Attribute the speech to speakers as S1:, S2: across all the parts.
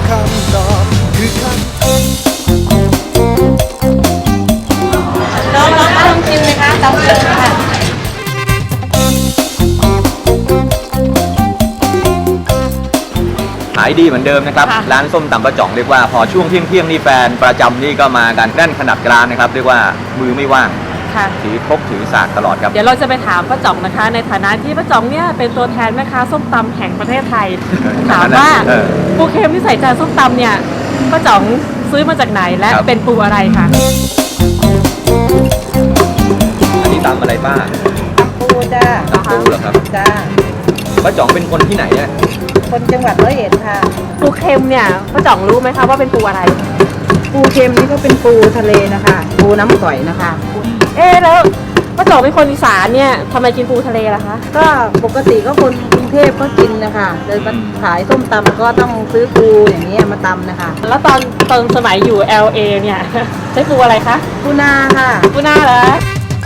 S1: คำตอบคือคำตอบ
S2: ลองชิมไหมคะตำเสร็จค่ะ
S3: ขายดีเหมือนเดิมนะครับร้านส้มตำป้าจ่องเรียกว่าพอช่วงเที่ยงนี่แฟนประจำนี่ก็มากันแน่นขนาดร้านนะครับเรียกว่ามือไม่ว่างถือครกถือสากตลอดครับ
S2: เดี๋ยวเราจะไปถามป้าจ่องนะคะในฐานะที่ป้าจ่องเนี่ยเป็นตัวแทนแม่ค้าส้มตำแห่งประเทศไทยถามว่าปูเค็มที่ใส่จานส้มตำเนี่ยป้าจ่องซื้อมาจากไหนและเป็นปูอะไรคะ
S3: อันนี้ตำอะไรป้า
S4: ปูจ้า
S3: ตำปูเหรอครับ
S4: จ้า
S3: ป้าจ่องเป็นคนที่ไหนอะ
S4: คนจังหวัดร้อยเอ็ดค่ะ
S2: ปูเค็มเนี่ยป้าจ่องรู้ไหมคะว่าเป็นปูอะไร
S4: ปูเค็มนี่ก็เป็นปูทะเลนะคะปูน้ำก่อยนะคะ
S2: แล้วป้าจ่องเป็นคนอีสานเนี่ยทำไมกินปูทะเลล่ะคะ
S4: ก็ปกติก็คนกรุงเทพก็กินนะคะเดินมาขายส้มตำก็ต้องซื้อปูอย่างนี้มาตำนะคะ
S2: แล้วตอนสมัยอยู่ LA เนี่ยใช้ปูอะไรคะ
S4: ปูนาค่ะ
S2: ปูนาเหรอ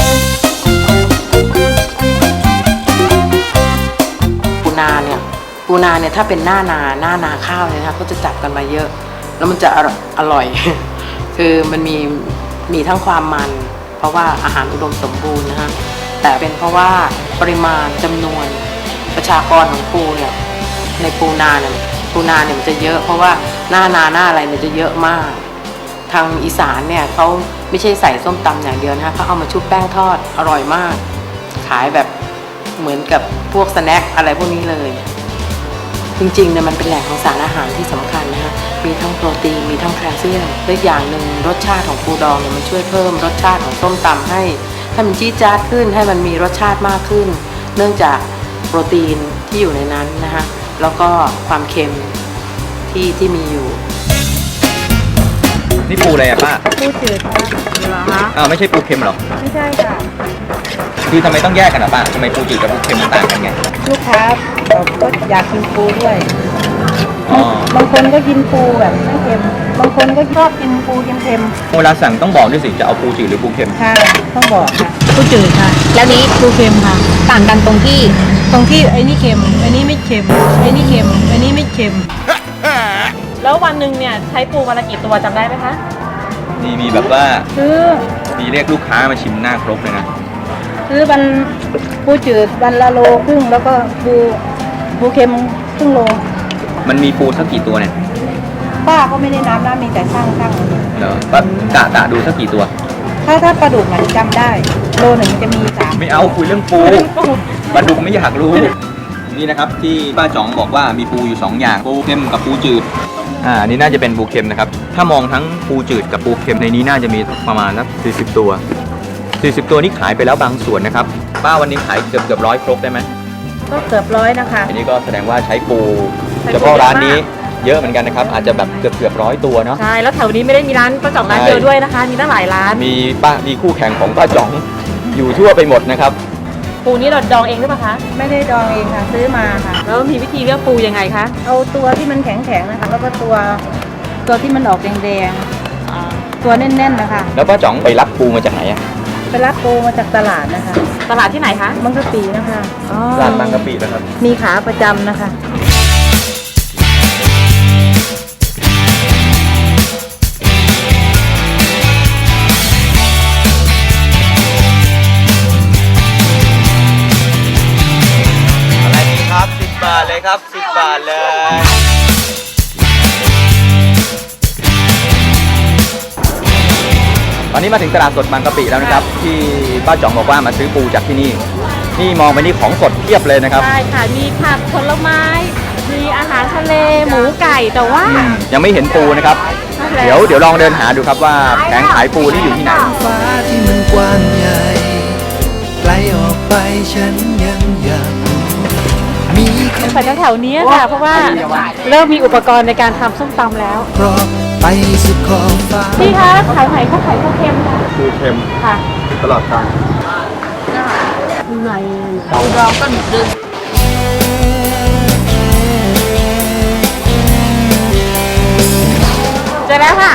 S5: ปูนาเนี่ยถ้าเป็นหน้านาข้าวเนี่ยนะคะก็จะจับกันมาเยอะแล้วมันจะอร่อย คือมันมีทั้งความมันเพราะว่าอาหารอุดมสมบูรณ์นะฮะแต่เป็นเพราะว่าปริมาณจำนวนประชากรของปูเนี่ยในปูนาเนี่ยมันจะเยอะเพราะว่าหน้าอะไรเนี่ยจะเยอะมากทางอีสานเนี่ยเขาไม่ใช่ใส่ส้มตำอย่างเดียวนะคะเขาเอามาชุบแป้งทอดอร่อยมากขายแบบเหมือนกับพวกสแน็คอะไรพวกนี้เลยจริงๆเนี่ยมันเป็นแหล่งของสารอาหารที่สำคัญนะคะมีทั้งโปรตีนมีทั้งแคลเซียมและอย่างหนึ่งรสชาติของปูดองเนี่ยมันช่วยเพิ่มรสชาติของส้มตำให้มันจี๊ดจ๊าดขึ้นให้มันมีรสชาติมากขึ้นเนื่องจากโปรตีนที่อยู่ในนั้นนะคะแล้วก็ความเค็มที่มีอยู่
S3: นี่ปูอะไรอะป้า
S4: ปูจืดค่ะเหรอคะ
S3: ไม่ใช่ปูเค็มหรอ
S4: ไม่ใช่ค่ะ
S3: คือทำไมต้องแยกกันอะป้าทำไมปูจืดกับปูเค็มมันต่างกันไง
S4: ลูกค้าก็อยากกินปูด้วยบางคนก็กินปูแบบไม่เค็มบางคนก็ชอบกินปูเค็ม
S3: เวลาสั่งต้องบอกด้วยสิจะเอาปูจืดหรือปูเค็ม
S4: ค่ะต้องบอกค่ะ
S2: ปูจืดค่ะแล้วนี้ปูเค็มค่ะต่างกันตรงที่
S4: ไอ้นี่เค็มไอ้นี่ไม่เค็มไอ้นี่เค็มไอ้นี่ไม่เค็ม
S2: แล้ววันหนึ่งเนี่ยใช้ปูวันละกี่ตัวจำได้ไหมคะ
S3: นี่มีแบบว่า
S4: ซื้อ
S3: มีเรียกลูกค้ามาชิมหน้าครบเลยนะ
S4: ซื้อปูจืดวันละโลครึ่งแล้วก็ปูเค็มครึ่งโล
S3: มันมีปูสักกี่ตัวเนี่ย
S4: ป้าก็ไม่ได้นับนะมีแต่ช่าง
S3: เหรอป้ากะดูสักกี่ตัว
S4: ถ้าปลาดุกมันจำได้โลหนึ่งจะมี3
S3: ไม่เอาคุยเรื่องปูปลาดุกไม่อยากรู้นี่นะครับที่ป้าจ๋องบอกว่ามีปูอยู่2อย่างปูเค็มกับปูจืดอันนี้น่าจะเป็นปูเค็มนะครับถ้ามองทั้งปูจืดกับปูเค็มในนี้น่าจะมีประมาณสัก40 ตัวนี่ขายไปแล้วบางส่วนนะครับป้าวันนี้ขายเกือบ100 ครกได้ไหม
S4: ก็เกือบ100นะคะ
S3: อันนี้ก็แสดงว่าใช้ปูเฉพาะร้านนี้เยอะเหมือนกันนะครับอาจจะแบบเกือบ100 ตัวเนาะ
S2: ใช่แล้วแถวนี้ไม่ได้มีร้านป้าจ่องร้านเดียวด้วยนะคะมีตั้งหลายร้าน
S3: มีคู่แข่งของป้าจ่องอยู่ทั่วไปหมดนะครับ
S2: ปูนี้เราดองเองหรือเปล่าคะ
S4: ไม่ได้ดองเองค่ะซื้อมาค่ะ
S2: แล้วมีวิธีเลือกปูยังไงคะ
S4: เอาตัวที่มันแข็งๆนะคะแล้วก็ตัวที่มันออกแดงๆตัวแน่นๆนะคะ
S3: แล้วป้าจ่องไปรับปูมาจากไหนอะ
S4: ไปรับปูมาจากตลาดนะคะ
S2: ตลาดที่ไหนคะ
S4: บางกะปินะคะ
S3: ตลาดบางกะปินะครับ
S4: มีขาประจำนะคะ
S3: อะไรดีครับ10 บาทเลยครับ10 บาทเลยตอนนี้มาถึงตลาดสดบางกะปิแล้วนะครับที่ป้าจ่องบอกว่ามาซื้อปูจากที่นี่มองไปนี่ของสดเพียบเลยนะครับ
S2: ใช่ค่ะมีผักผลไม้มีอาหารทะเลหมูไก่แต่ว่า
S3: ยังไม่เห็นปูนะครับเดี๋ยวลองเดินหาดูครับว่าแผงขายปูนี่อยู่ที่ไหน
S1: ฟ้าที่มันกว้างใหญ่ไกลออกไปฉันยังอยากมี
S2: ไปแถวนี้ค่ะเพราะว่าเริ่มมีอุปกรณ์ในการทำส้มตำแล้ว
S1: เพราะไปสุดขอบฟ้า
S2: พี่คะขายไหนเขาขายปูเค็มค่ะ
S3: ปูเค็ม
S2: ค่ะ
S3: ตลอดทาง
S2: ไหนปูดองก็1 เดือนเจอแล้วค่ะ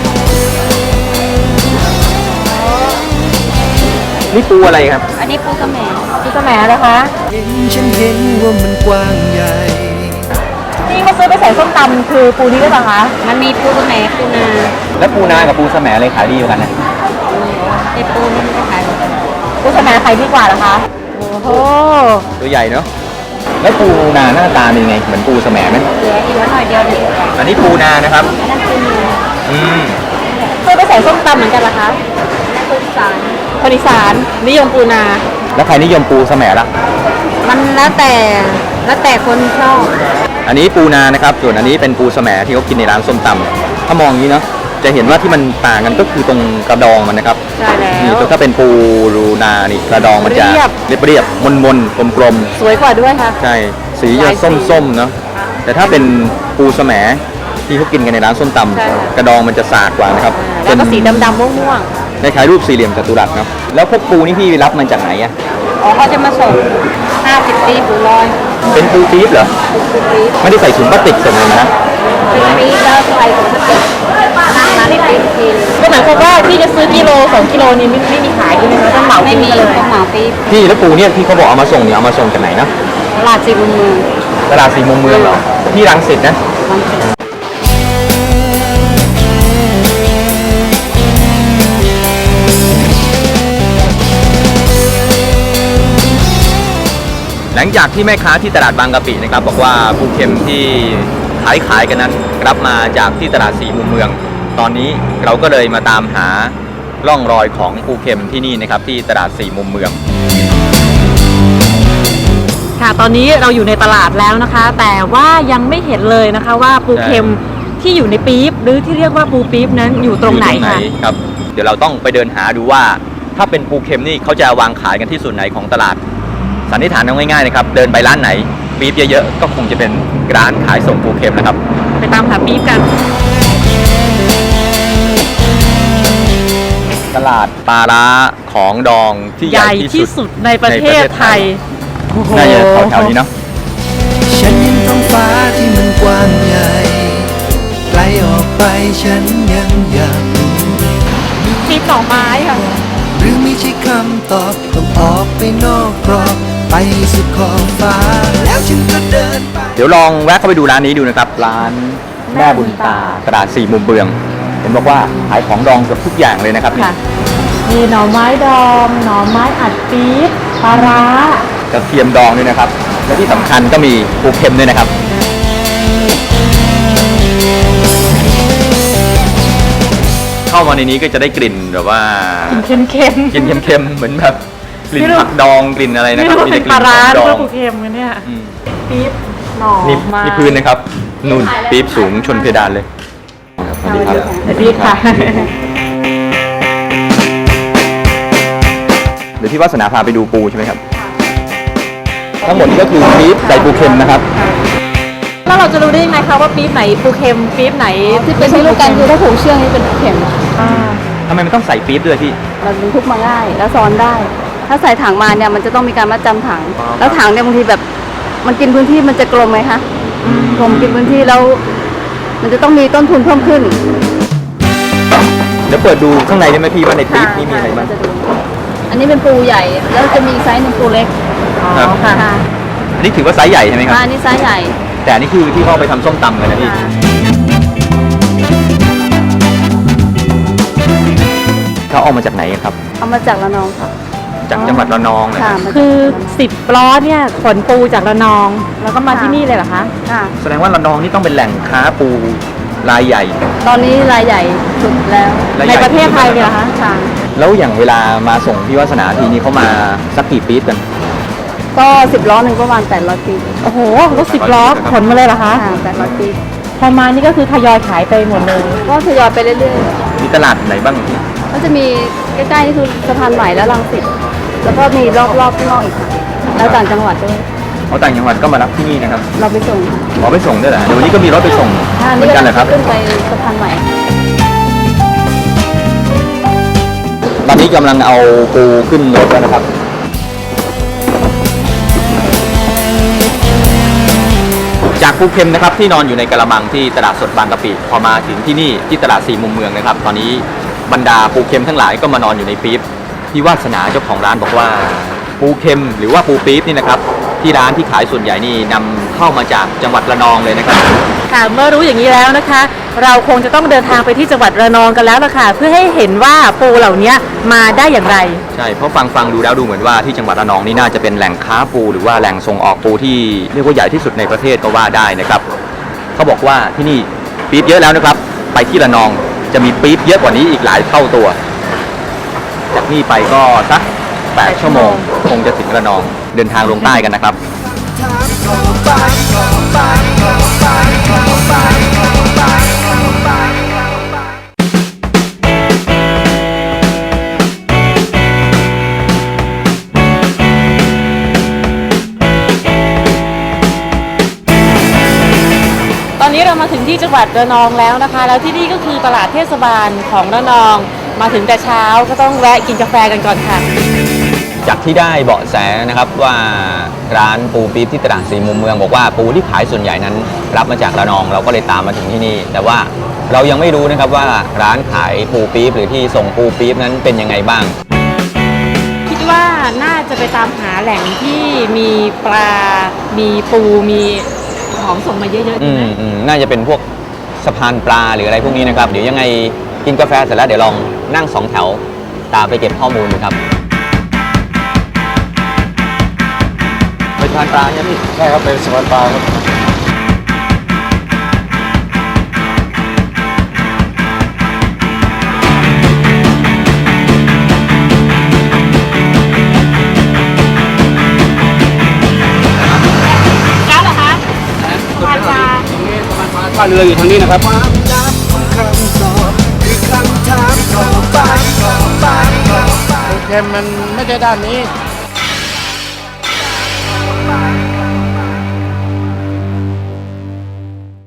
S3: นี่ปูอะไรครับ
S2: อันนี้ปูสะแหมนะคะ
S1: ฉันเห็นว่ามันกว้างใหญ่
S2: พี่เขาซื้อไปใส่ส้มตำคือปูนี้ได้ป่ะคะ
S4: มันมีปูแหนปูนา
S3: แล้วปูนากับปูสแหมอะไรขายดีกว่ากันนะ
S4: ไอปูนี่มันก็ขายเหมือนกัน
S2: ปูสะแหมใครดีกว่าเหรอคะโอ้โห
S3: ตัวใหญ่เนาะแล้วปูนาหน้าตาเป็นยังไงเหมือนปูสแหมไหม
S4: เหลืออีกหน่อยเดียวเด็ก
S3: อันนี้ปูนานะครับ
S4: อันนั้นปูนา
S3: อืม
S2: ซื้อไปใส่ส้มตำเหมือนกันเหรอคะ
S4: ปูสาร
S2: คนอีสานนิยมปูนา
S3: แล้วใครนิยมปูสแหมล่ะ
S4: มันแล้วแต่คนชอบ
S3: อันนี้ปูนานะครับส่วนอันนี้เป็นปูสแหมที่เขากินในร้านส้มตำถ้ามองอย่างนี้เนาะจะเห็นว่าที่มันต่างกันก็คือตรงกระดองมันนะครับ
S2: ใช่แล้
S3: นี่
S2: ว
S3: ถ้าเป็นปูรูนานี่กระดองมันจะ
S2: เรียบ
S3: เรียบๆมนๆกลม
S2: สวยกว่าด้วยค่ะ
S3: ๆใช่สี
S2: ห
S3: จะ
S2: ลายสี
S3: ส้มๆเนาะแต่ถ้าเป็นปูสแหมที่เขากินกันในร้านส้มต
S2: ใช่ค่ะ
S3: ำกระดองมันจะสากกว่านะครับ
S2: แล้วก็สีดำๆม่วง
S3: คล้ายๆรูปสี่เหลี่ยมจัตุรัสเนาะแล้วพวกปูนี่พี่รับมันจากไหนอะ
S4: อ๋อเขาจะมาส่ง50 ปีปูร้อย
S3: เป็นปูปี๊บเหรอ
S4: ปูปี๊บ
S3: ไม่ได้ใส่ถุงพลาสติกส่งเลยนะ
S4: ปี๊บแล้วใส่ถุงพลาสติกมาได้ปี๊บทีนึง
S2: ๆก็หมายความว่าที่จะซื้อกิโล2กิโลนี่ไม่มีขายใช่ไหมคะต้องเหมา
S4: ไม่
S2: กิน
S4: มี
S2: กันเลย
S4: ต้องเหมาปี๊บ
S3: พี่แล้วปูเนี่ยที่เขาบอกเอามาส่งเนี่ยเอามาส่งจากไหนนะ
S4: ตลาดสี่มุมเมือง
S3: ตลาดสี่มุมเมืองเหรอที่รังสิตนะ
S4: บางสิน
S3: หลังจากที่แม่ค้าที่ตลาดบางกะปินะครับบอกว่าปูเค็มที่ขายกันนั้นรับมาจากที่ตลาดสี่มุมเมือง ตอนนี้เราก็เลยมาตามหาร่องรอยของปูเค็มที่นี่นะครับที่ตลาดสี่มุมเมือง
S2: ค่ะตอนนี้เราอยู่ในตลาดแล้วนะคะ แต่ว่ายังไม่เห็นเลยนะคะว่าปูเค็มที่อยู่ในปี๊บหรือที่เรียกว่าปูปี๊บนั้นอยู่ตรงไหนค่ะ
S3: ครับเดี๋ยวเราต้องไปเดินหาดูว่า ถ้าเป็นปูเค็มนี่เขาจะวางขายกันที่ส่วนไหนของตลาดสันนิษฐานเอาง่ายๆนะครับเดินไปร้านไหนปี๊บเยอะๆก็คงจะเป็นร้านขายส่งปูเค็มนะครับ
S2: ไปตามหาปี๊บกัน
S3: ตลาดปลาร้าของดองที่
S2: ให
S3: ใหญ่
S2: ญ่
S3: ที่
S2: ที่
S3: สุ
S2: สุ
S3: ด
S2: ดในประเทศไทยโอ้โห
S3: น่าจะแถวๆนี้เนาะ
S1: ฉันเห็นท้องฟ้าที่มันกว้างใหญ่ ไกลออกไปฉันยังอยากรู้
S2: ปี๊บหน่อไม้ค่ะ
S1: หรือไม่ใช่คำตอบต้องออกไปนอกกรอบไปสุดขอบฟ้า แล้วฉันก็เดินไป
S3: เดี๋ยวลองแวะเข้าไปดูร้านนี้ดูนะครับ ร้านแม่บุญตาตลาดสี่มุมเมืองเห็นบอกว่าขายของดองเกือบทุกอย่างเลยนะครับ
S2: ค่ะ มีหน่อไม้ดอง หน่อไม้อัดปี๊บปลาร้าก
S3: ระเทียมดองด้วยนะครับ และที่สำคัญก็มีปูเค็มด้วยนะครับ เข้ามาในนี้ก็จะได้กลิ่นแบบว่า
S2: เค็ม
S3: กลิ่นเค็มๆเหมือนแบบกลิ่นผักดองกลิ่นอะไร
S2: ๆ
S3: นะ
S2: ไม่
S3: ครับ
S2: รู้
S3: มี
S2: เป็
S3: แต่
S2: น
S3: ก
S2: ป
S3: ลิ่
S2: ลาน ร้า
S3: ของ
S2: ห
S3: ด
S2: รือ
S3: อ
S2: ว่าง ปูเค็มกันเนี่ย
S3: อืม
S2: ปี๊บหน่อ
S3: นี่
S2: ไม้
S3: นี่พื้นนะครับนู่นปี๊บสูงชนเพดานเลยสวัสดีครับ
S2: สวัสดีค่ะ
S3: เดี๋ยวพี่วาสนาพาไปดูปูใช่ไหมครับ ทั้งหมดนี้ก็คือปี๊บใส่ปูเค็มนะครับ
S2: แล้วเราจะรู้ได้ยังไงคะว่าปี๊บไหนปูเค็มปี๊บไหน
S4: ที่เป็นที่รู้กันคือถ้าผูกเชือกนี่เป็นเข็ม
S2: อ่า
S3: ทำไมมันต้องใส่ปี๊บด้วยพี่
S4: มันบรรทุกมาง่ายแล้วซ้อนได้ ถ้าใส่ถังมาเนี่ยมันจะต้องมีการมัดจำถัง
S3: อ๋อ
S4: แล้วถังเนี่ยบางทีแบบมันกินพื้นที่มันจะกลมไหมคะกลมกินพื้นที่แล้ว มันจะต้องมีต้นทุนเพิ่มขึ้น
S3: เดี๋ยวเปิดดูข้างในได้ไหมพี่ว่าในปี๊บนี่มีอะไรบ้าง
S4: จะดูอันนี้เป็นปูใหญ่แล้วจะมีไซส์หนึ่งปูเล็ก
S2: อ๋อ
S3: ครับ
S2: ค่ะ
S4: ค่ะ
S3: อันนี้ถือว่าไซส์ใหญ่ใช่ไหมครับ
S4: อันนี้ไซส์ใหญ่
S3: แต่อันนี้คือที่เขาเอาไปทำส้มตำกันนะพี่
S4: ค่ะ
S3: เขาเอามาจากไหนกันครับ
S4: เอามาจากระนองค่ะ
S3: จากจังหวัดระนองนะ
S4: ค่ะ
S3: ครับ
S4: มาจาก
S2: คือ10ล้อเนี่ยขนปูจากระนอง แล้วก็มาที่นี่เลยเหรอคะ
S4: ค่ะ
S3: แสดงว่าระนองนี่ต้องเป็นแหล่งค้าปูรายใหญ่
S4: ตอนนี้รายใหญ่สุดแล้ว
S3: รายให
S2: ใน
S3: ญ่
S2: ประเทศไทยเลยเหรอคะ
S4: ค่ะ
S3: แล้วอย่างเวลามาส่งพี่วาสนาทีนี้เขามาสักกี่ปี๊บกัน
S4: ก็10ล้อหนึ่งประมาณ800 ปี
S2: โอ้โหรถ10ล้อขนมาเลยเหรอคะ
S4: ค่ะ800 ปี
S2: พอมานี่ก็คือทยอยขายไปหมดเลย
S4: ก็ทยอยไปเรื่อย
S3: มีตลาดไหนบ้างพี่
S4: ๆก็จะมีใกล้ๆนี่คือสะพานใหม่และรังสิตแล้วก็มีรอบๆข้างนอกอีกค่ะแล้วต่างจังหวัดด้วย
S3: เขาต่างจังหวัดก็มารับที่นี่นะครับ
S4: เราไปส่งค่ะ
S3: ขอไปส่งด้วยเหรอเดี๋ยววันนี้ก็มีรถไปส่ง
S4: ค่ะ
S3: เหมือนกันเหรอครับ
S4: ขึ้นไปสะพานใหม่
S3: ตอนนี้กำลังเอาปูขึ้นรถแล้วนะครับ จากปูเค็มนะครับที่นอนอยู่ในกระมังที่ตลาดสดบางกะปิพอมาถึงที่นี่ที่ตลาดสี่มุมเมืองนะครับ ตอนนี้บรรดาปูเค็มทั้งหลายก็มานอนอยู่ในปี๊บพี่วาสนาเจ้าของร้านบอกว่าปูเค็มหรือว่าปูปี๊บนี่นะครับที่ร้านที่ขายส่วนใหญ่นี่นำเข้ามาจากจังหวัดระนองเลยนะครับ
S2: ค่ะเมื่อรู้อย่างนี้แล้วนะคะ เราคงจะต้องเดินทางไปที่จังหวัดระนองกันแล้วล่ะค่ะเพื่อให้เห็นว่าปูเหล่านี้มาได้อย่างไร
S3: ใช่เพราะฟังดูแล้วดูเหมือนว่าที่จังหวัดระนองนี่น่าจะเป็นแหล่งค้าปูหรือว่าแหล่งส่งออกปูที่เรียกว่าใหญ่ที่สุดในประเทศก็ว่าได้นะครับเขาบอกว่าที่นี่ปี๊บเยอะแล้วนะครับ ไปที่ระนองจะมีปี๊บเยอะกว่านี้อีกหลายเท่าตัว จากนี่ไปก็สัก8 ชั่วโมงคงจะถึงระนองเดินทางลงใต้กันนะครับ
S2: ตอนนี้เรามาถึงที่จังหวัดระนองแล้วนะคะ แล้วที่นี่ก็คือตลาดเทศบาลของระนองมาถึงแต่เช้าก็ต้องแวะกินกาแฟกันก่อนค่ะ
S3: จากที่ได้เบาะแสนะครับว่าร้านปูปี๊บที่ตลาดสี่มุมเมืองบอกว่าปูที่ขายส่วนใหญ่นั้นรับมาจากระนองเราก็เลยตามมาถึงที่นี่ แต่ว่าเรายังไม่รู้นะครับว่าร้านขายปูปี๊บหรือที่ส่งปูปี๊บนั้นเป็นยังไงบ้าง
S2: คิดว่าน่าจะไปตามหาแหล่งที่มีปลา มีปูมีของส่งมาเยอะๆใช่ไหม
S3: น่าจะเป็นพวกสะพานปลาหรืออะไรพวกนี้นะครับเดี๋ยวยังไงกินกาแฟเสร็จแล้วเดี๋ยวลองนั่ง2 แถวตามไปเก็บข้อมูลดูครับไปสะพานปลาใช่ไหมพี่
S6: ใช่ครับเป็นสะพานปลาครับ
S2: แล้วเหรอคะปลา
S6: ท่าเรืออยู่ทางนี้นะครับ
S1: ความลับของคำตอบคือคำถามต่อไป
S6: เค็มมันไม่ใช่ด้านนี้